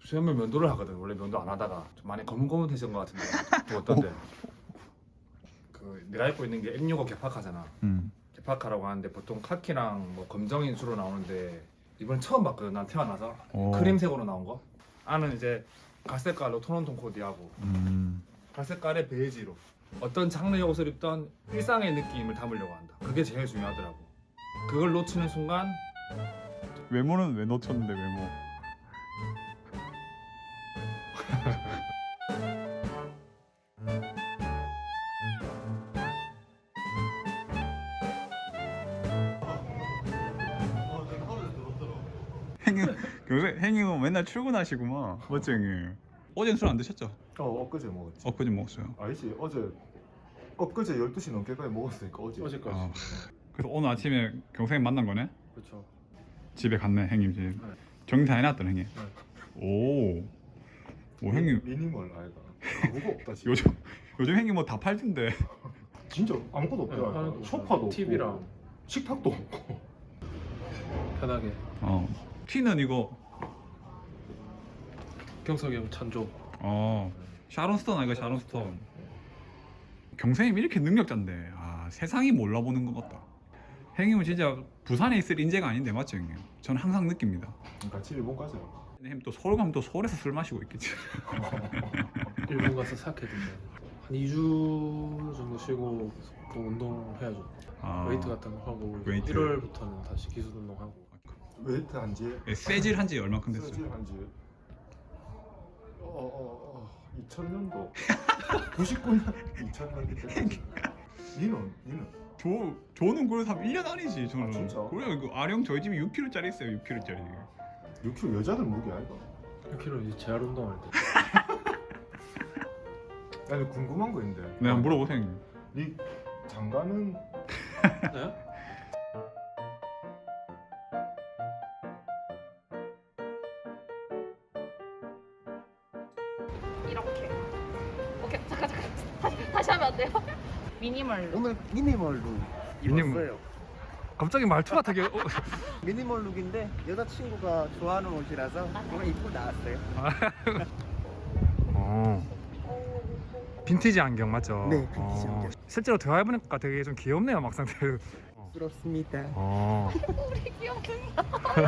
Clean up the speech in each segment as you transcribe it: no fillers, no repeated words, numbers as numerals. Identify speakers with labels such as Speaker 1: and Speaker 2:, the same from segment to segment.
Speaker 1: 수염을 면도를 하거든. 원래 면도 안 하다가 좀 많이 거뭇거뭇해진 것 같은데 또 어떤데? 그 내가 입고 있는 게 M65 개파카잖아. 개파카라고 하는데 보통 카키랑 뭐 검정이 주로 나오는데 이번 처음 봤거든. 난 태어나서 크림색으로 나온 거. 안은 이제 갈색깔로 톤온톤 코디하고 갈색깔의 베이지로 어떤 장르의 옷을 입던 일상의 느낌을 담으려고 한다. 그게 제일 중요하더라고. 그걸 놓치는 순간
Speaker 2: 외모는 왜 놓쳤는데 외모? 행님은 맨날 출근하시구만. 맞지 형님? 어제는 술 안 드셨죠?
Speaker 3: 엊그제 먹었지.
Speaker 2: 엊그제 먹었어요.
Speaker 3: 아니지, 엊그제 12시 넘게까지 먹었으니까 어제까지.
Speaker 2: 그래서 오늘 아침에 경생님 만난 거네?
Speaker 3: 그렇죠.
Speaker 2: 집에 갔네 형님 집. 정리 다 해놨던 형님. 오 형님
Speaker 3: 미니멀 아이가 아무것도 없다 지금.
Speaker 2: 요즘 형님 뭐 다 팔던데.
Speaker 3: 진짜 아무것도 없더라. 소파도
Speaker 4: TV랑
Speaker 3: 없고 식탁도 없고.
Speaker 4: 편하게.
Speaker 2: 티는 이거
Speaker 4: 경석이 형 찬조.
Speaker 2: 샤론스톤 아이가 샤론스톤. 경생님 이렇게 능력자인데 세상이 몰라보는 것 같다. 형님은 진짜 부산에 있을 인재가 아닌데 맞죠 형님? 저는 항상 느낍니다.
Speaker 3: 같이 일본 가자.
Speaker 2: 형님 또 서울 가면 또 서울에서 술 마시고 있겠지.
Speaker 4: 일본 가서 사케 드면 한 2주 정도 쉬고 또 운동해야죠. 웨이트 같은 거 하고
Speaker 2: 웨이트.
Speaker 4: 1월부터는 다시 기술 운동하고.
Speaker 3: 웨이트 한지
Speaker 2: 세질 한지 얼마큼 됐어요?
Speaker 3: 쓰질 한지 2000년도 99년 2000년도 때. 니는?
Speaker 2: 저는 그래서 한 1년 아니지 저는.
Speaker 3: 진짜?
Speaker 2: 그래 그 아령 저희 집에 6kg짜리 있어요 6kg짜리.
Speaker 3: 6kg 여자들 무게 아이가?
Speaker 4: 1kg 이제 재활 운동할 때.
Speaker 3: 아니 궁금한 거 있는데.
Speaker 2: 네 한번 물어보세요 형님.
Speaker 3: 니 장가는
Speaker 4: 네?
Speaker 5: 이렇게. 오케이 잠깐 다시 하면 안 돼요? 미니멀로.
Speaker 6: 오늘 미니멀 룩 입었어요.
Speaker 1: 갑자기 말투가 되게
Speaker 6: 미니멀 룩인데 여자친구가 좋아하는 옷이라서 오늘 입고 나왔어요.
Speaker 1: 빈티지 안경 맞죠?
Speaker 6: 네, 빈티지 안경.
Speaker 1: 실제로 대화해보니까 되게 좀 귀엽네요 막상.
Speaker 6: 부럽습니다.
Speaker 5: 우리 귀엽습니다.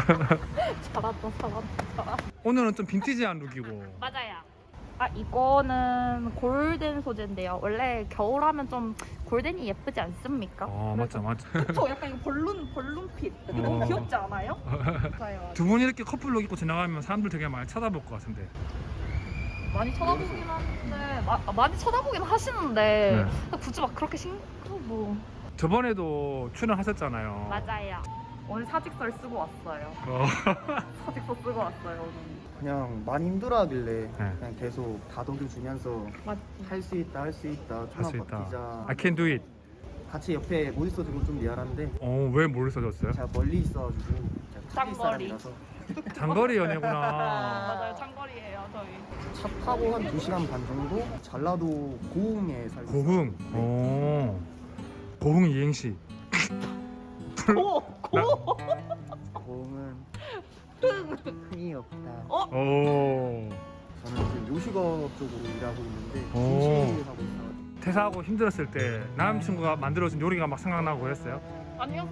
Speaker 5: 잘한다.
Speaker 1: 오늘은 좀 빈티지한 룩이고.
Speaker 5: 맞아요. 이거는 골덴 소재인데요. 원래 겨울하면 좀 골덴이 예쁘지 않습니까?
Speaker 1: 맞죠.
Speaker 5: 그쵸? 약간 이거 벌룬핏. 너무 귀엽지 않아요? 맞아요.
Speaker 1: 두 분이 이렇게 커플룩 입고 지나가면 사람들 되게 많이 쳐다볼 것 같은데.
Speaker 5: 많이 쳐다보긴 하는데 많이 쳐다보긴 하시는데
Speaker 1: 네.
Speaker 5: 굳이 막 그렇게 뭐.
Speaker 1: 저번에도 출연하셨잖아요.
Speaker 5: 맞아요. 오늘 사직서를 쓰고 왔어요. 사직서 쓰고 왔어요 오늘.
Speaker 6: 그냥 많이 힘들어하길래
Speaker 1: 네.
Speaker 6: 그냥 계속 다독여주면서
Speaker 5: 맞지.
Speaker 6: 할 수 있다
Speaker 1: 할 수
Speaker 6: 좀만
Speaker 1: 있다.
Speaker 6: 버티자.
Speaker 1: I can do it.
Speaker 6: 같이 옆에 못 있어주고 좀 미안한데
Speaker 1: 왜 뭘 써줬어요?
Speaker 6: 제가 멀리 있어가지고 그냥
Speaker 5: 장거리.
Speaker 6: 사람이라서
Speaker 1: 장거리 연애구나.
Speaker 5: 맞아요. 장거리예요 저희.
Speaker 6: 차 타고 한 2시간 반 정도 전라도 고흥에 살고
Speaker 1: 고흥.
Speaker 6: 있어요.
Speaker 1: 고흥 이행시.
Speaker 6: 고흥은 흥이 없다.
Speaker 1: 오.
Speaker 6: 저는 지금 요식업 쪽으로 일하고 있는데
Speaker 1: 오.
Speaker 6: 김치하고 있어요.
Speaker 1: 퇴사하고 힘들었을 때 남자친구가 만들어준 요리가 막 생각나고 그랬어요?
Speaker 5: 아니요.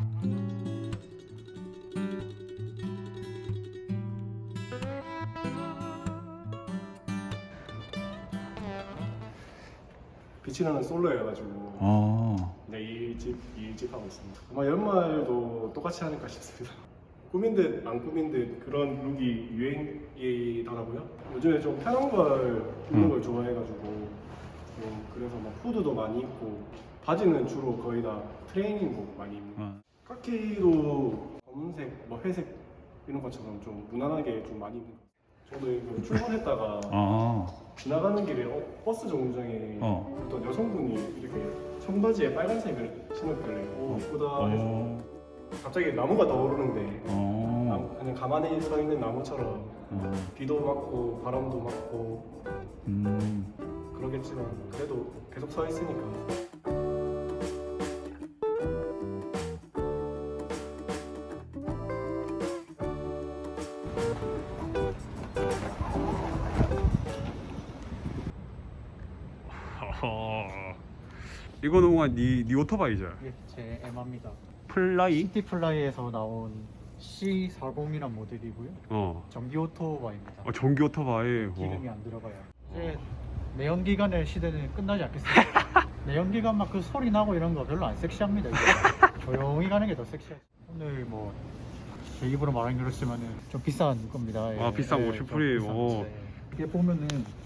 Speaker 7: 비치는 솔로여가지고 네, 일집 하고 있습니다. 아마 연말도 똑같이 하니까 싶습니다. 꾸민 듯 안 꾸민 듯 그런 룩이 유행이더라고요. 요즘에 좀 편한 걸 입는 걸 좋아해가지고 그래서 막 후드도 많이 입고 바지는 주로 거의 다 트레이닝복 많이 입고 카키도 검은색, 뭐 회색 이런 것처럼 좀 무난하게 좀 많이 입는 것 같아요. 저도 이거 출근했다가 지나가는 길에 버스 정류장에 어떤 여성분이 이렇게 청바지에 빨간색을 신었길래 예쁘다 해서 갑자기 나무가 떠오르는데 그냥 가만히 서 있는 나무처럼 비도 맞고 바람도 맞고 그러겠지만 그래도 계속 서 있으니까
Speaker 2: 이거는 뭔가 네 오토바이죠?
Speaker 8: 이게 제 에마입니다.
Speaker 2: 플라이?
Speaker 8: 시티플라이에서 나온 C40이란 모델이고요. 전기 오토바이입니다.
Speaker 2: 전기 오토바이.
Speaker 8: 기름이 안 들어가요. 이제 내연기관의 시대는 끝나지 않겠습니다. 내연기관 막 그 소리 나고 이런 거 별로 안 섹시합니다. 이제. 조용히 가는 게 더 섹시하죠. 오늘 뭐 제 입으로 말하긴 그렇지만은 좀 비싼 겁니다.
Speaker 2: 아, 비싼 거,
Speaker 8: 좀
Speaker 2: 슈프림.
Speaker 8: 비싼
Speaker 2: 오.
Speaker 8: 건데. 이게 보면은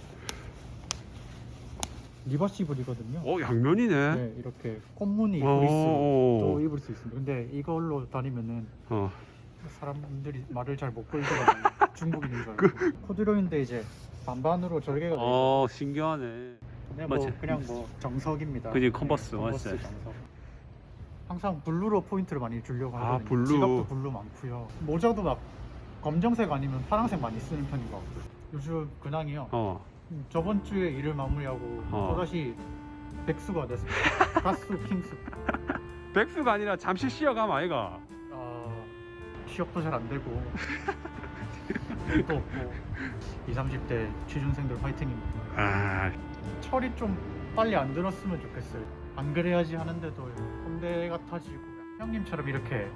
Speaker 8: 리버시블이거든요.
Speaker 2: 양면이네.
Speaker 8: 네, 이렇게 꽃무늬
Speaker 2: 오.
Speaker 8: 브리스도 입을 수 있습니다. 근데 이걸로 다니면은 사람들이 말을 잘 못 걸더라고요. 중국인인 줄 알고. 코듀로이인데 이제 반반으로 절개가 돼요.
Speaker 2: 신기하네.
Speaker 8: 그냥 뭐
Speaker 2: 맞지?
Speaker 8: 그냥 뭐 정석입니다.
Speaker 2: 그지, 컨버스,
Speaker 8: 컨버스
Speaker 2: 맞지?
Speaker 8: 정석. 항상 블루로 포인트를 많이 주려고 하거든요.
Speaker 2: 블루.
Speaker 8: 지갑도 블루 많고요. 모자도 막 검정색 아니면 파란색 많이 쓰는 편인 것 같고요. 요즘 근황이요. 저번 주에 일을 마무리하고 또다시 백수가 됐습니다. 가수 킹스.
Speaker 2: 백수가 아니라 잠시 쉬어가면 아이가.
Speaker 8: 취업도 잘 안 되고 일도 없고 20, 30대 취준생들 파이팅입니다. 철이 좀 빨리 안 들었으면 좋겠어요. 안 그래야지 하는데도 꼰대 같아지고 형님처럼 이렇게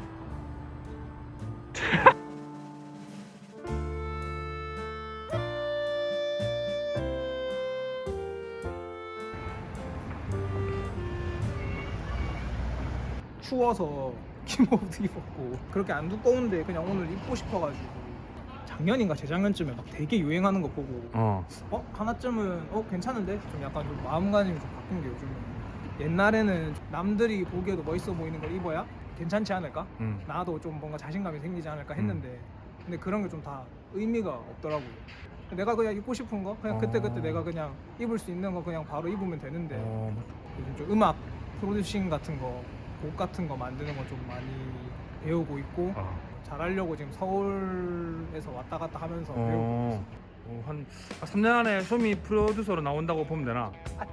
Speaker 9: 추워서 기모도 입었고 그렇게 안 두꺼운데 그냥 오늘 입고 싶어가지고 작년인가 재작년쯤에 막 되게 유행하는 거 보고 하나쯤은 괜찮은데 좀 약간 좀 마음가짐이 좀 바뀐 게 요즘은 옛날에는 남들이 보기에도 멋있어 보이는 걸 입어야 괜찮지 않을까? 나도 좀 뭔가 자신감이 생기지 않을까 했는데 근데 그런 게 좀 다 의미가 없더라고요. 내가 그냥 입고 싶은 거 그냥 그때그때 내가 그냥 입을 수 있는 거 그냥 바로 입으면 되는데 요즘 좀 음악 프로듀싱 같은 거 곡 같은 거 만드는 거 좀 많이 배우고 있고 잘하려고 지금 서울에서 왔다 갔다 하면서 배우고 있어요.
Speaker 1: 한 3년 안에 소미 프로듀서로 나온다고 보면 되나?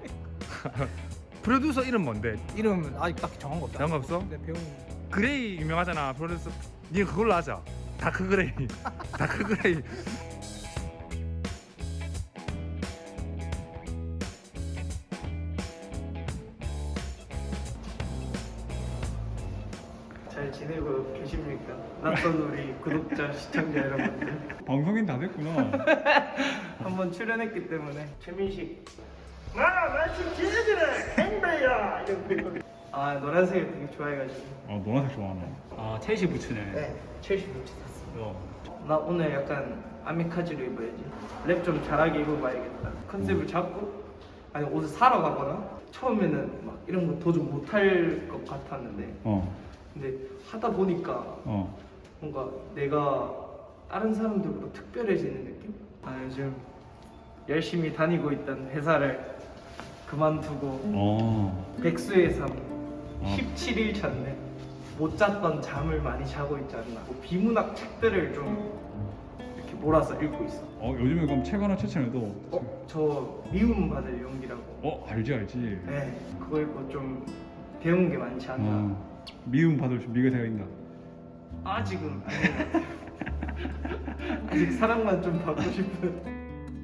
Speaker 1: 프로듀서 이름 뭔데?
Speaker 9: 이름은 아직 딱 정한 거 없다.
Speaker 1: 정한 거 없어?
Speaker 9: 근데 배운
Speaker 1: 그레이 유명하잖아 프로듀서. 니가 그걸로 하자. 다크 그레이. 다크 그레이.
Speaker 6: 잘 지내고 계십니까? 낯선 우리 구독자 시청자 여러분들.
Speaker 2: 방송인 다 됐구나.
Speaker 6: 한번 출연했기 때문에 최민식 나같이 지내지는 행배야 이런 거. 노란색을 되게 좋아해가지고.
Speaker 2: 노란색 좋아하나?
Speaker 8: 첼시 부츠네.
Speaker 6: 네, 첼시 부츠 샀어. 나 오늘 약간 아미카즈로 입어야지. 랩 좀 잘하게 입어봐야겠다. 컨셉을 잡고 아니 옷을 사러 가거나 처음에는 막 이런 거 도전 못할 것 같았는데 근데 하다 보니까 뭔가 내가 다른 사람들보다 특별해지는 느낌? 요즘 열심히 다니고 있던 회사를 그만두고 백수의 삶 17일 잤네. 못 잤던 잠을 많이 자고 있지 않나. 비문학 책들을 좀 이렇게 몰아서 읽고 있어.
Speaker 2: 요즘에 그럼 책 하나 추천해도.
Speaker 6: 저 미움받을 용기라고.
Speaker 2: 알지.
Speaker 6: 네, 그거 읽고 좀 배운 게 많지 않나.
Speaker 2: 미움 받을 준비가 되어 있나?
Speaker 6: 아직은 아닌 것 같아요. 아직 사랑만 좀 받고 싶은.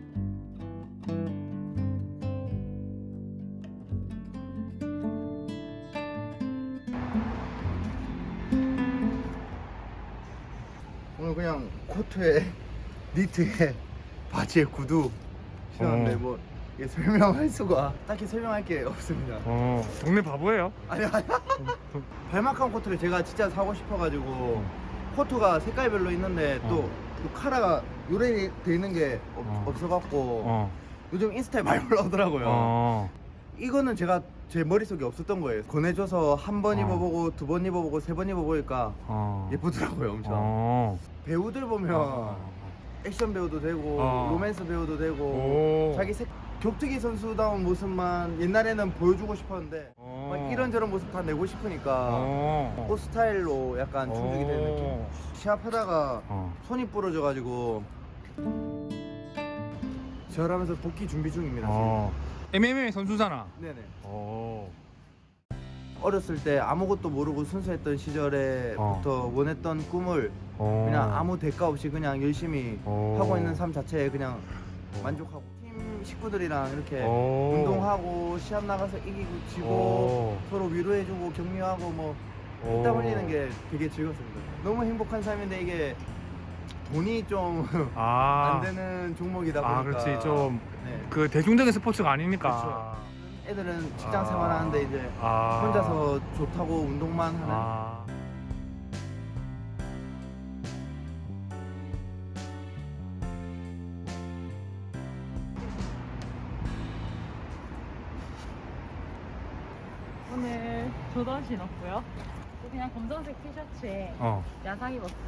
Speaker 3: 오늘 그냥 코트에 니트에 바지에 구두 신었는데 뭐 이게 설명할 수가 딱히 설명할 게 없습니다.
Speaker 1: 동네 바보예요.
Speaker 3: 아니 발막한 코트를 제가 진짜 사고 싶어가지고 코트가 색깔별로 있는데 또 카라가 요래돼 있는 게 없어갖고 요즘 인스타에 많이 올라오더라고요. 이거는 제가 제 머릿속에 없었던 거예요. 권해줘서 한 번 입어보고 두 번 입어보고 세 번 입어보니까 예쁘더라고요 엄청. 배우들 보면 액션 배우도 되고 로맨스 배우도 되고 자기 격투기 선수다운 모습만 옛날에는 보여주고 싶었는데 막 이런저런 모습 다 내고 싶으니까 옷 스타일로 약간 충족이 되는 느낌. 시합하다가 손이 부러져가지고 절하면서 복귀 준비 중입니다. 지금.
Speaker 1: MMA 선수잖아.
Speaker 3: 네네. 어렸을 때 아무것도 모르고 순수했던 시절에부터 원했던 꿈을 그냥 아무 대가 없이 그냥 열심히 하고 있는 삶 자체에 그냥 만족하고 팀 팀 식구들이랑 이렇게
Speaker 4: 오.
Speaker 3: 운동하고 시합 나가서 이기고 지고
Speaker 4: 오.
Speaker 3: 서로 위로해주고 격려하고 뭐
Speaker 4: 오.
Speaker 3: 땀 흘리는 게 되게 즐겁습니다. 너무 행복한 삶인데 이게 돈이 좀 안
Speaker 4: 아.
Speaker 3: 되는 종목이다 보니까
Speaker 4: 아, 그렇지. 좀
Speaker 3: 네.
Speaker 4: 그 대중적인 스포츠가 아니니까.
Speaker 3: 그렇죠. 애들은 직장
Speaker 4: 아.
Speaker 3: 생활하는데 이제
Speaker 4: 아.
Speaker 3: 혼자서 좋다고 운동만 하는
Speaker 4: 아.
Speaker 5: 오늘 조던 신었고요. 또 그냥 검정색 티셔츠에
Speaker 4: 어.
Speaker 5: 야상 입었어요.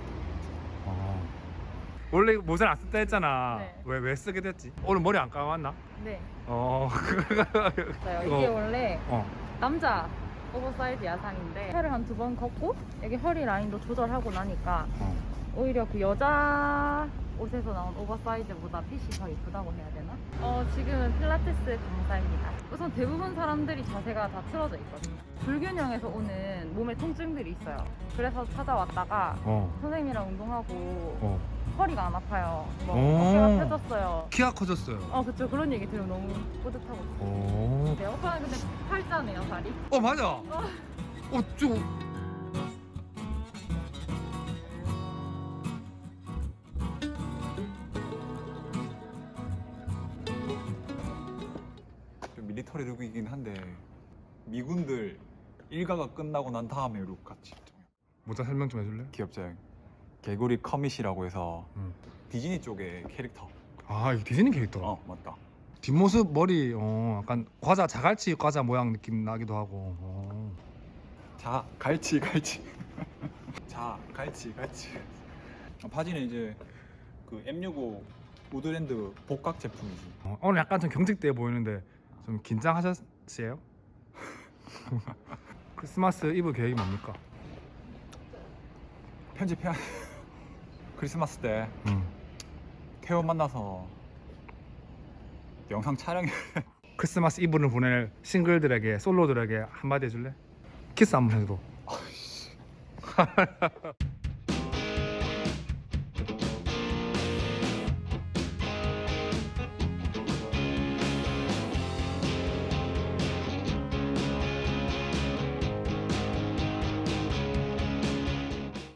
Speaker 4: 원래 모자를 안 쓴다 했잖아.
Speaker 5: 네.
Speaker 4: 왜 쓰게 됐지? 오늘 머리 안 감았나?
Speaker 5: 네.
Speaker 4: 어.
Speaker 5: 있어요. 이게 원래
Speaker 4: 어.
Speaker 5: 남자 오버사이즈 야상인데 팔을 한 2번 걷고 여기 허리 라인도 조절하고 나니까
Speaker 4: 어.
Speaker 5: 오히려 그 여자 옷에서 나온 오버사이즈보다 핏이 더 이쁘다고 해야 되나? 지금은 필라테스 강사입니다. 우선 대부분 사람들이 자세가 다 틀어져 있거든요. 불균형에서 오는 몸의 통증들이 있어요. 그래서 찾아왔다가
Speaker 4: 어.
Speaker 5: 선생님이랑 운동하고
Speaker 4: 어.
Speaker 5: 허리가 안 아파요. 뭐
Speaker 4: 오.
Speaker 5: 어깨가 펴졌어요.
Speaker 4: 키가 커졌어요.
Speaker 5: 그쵸. 그런 얘기 들으면 너무 뿌듯하고
Speaker 4: 오.
Speaker 5: 네, 오빠는 근데 팔자네요, 다리.
Speaker 4: 맞아. 좀.
Speaker 2: 좀 밀리터리 룩이긴 한데 미군들 일가가 끝나고 난 다음에 룩 같이 좀
Speaker 4: 모자 설명 좀 해줄래?
Speaker 2: 귀엽죠. 개구리 커밋이라고 해서
Speaker 4: 음.
Speaker 2: 디즈니 쪽의 캐릭터.
Speaker 4: 아 이게 디즈니 캐릭터라.
Speaker 2: 맞다.
Speaker 4: 뒷모습 머리 약간 과자 자갈치 과자 모양 느낌 나기도 하고.
Speaker 2: 자 갈치 자 갈치 바지는 이제 그 M65 우드랜드 복각 제품이지.
Speaker 4: 오늘 약간 좀 경직돼 보이는데 좀 긴장하셨어요? 크리스마스 이브 계획이 뭡니까?
Speaker 2: 편집해야 크리스마스 때 태호 만나서 영상 촬영해.
Speaker 4: 크리스마스 이브를 보낼 싱글들에게 솔로들에게 한마디 해줄래? 키스 한번 해도.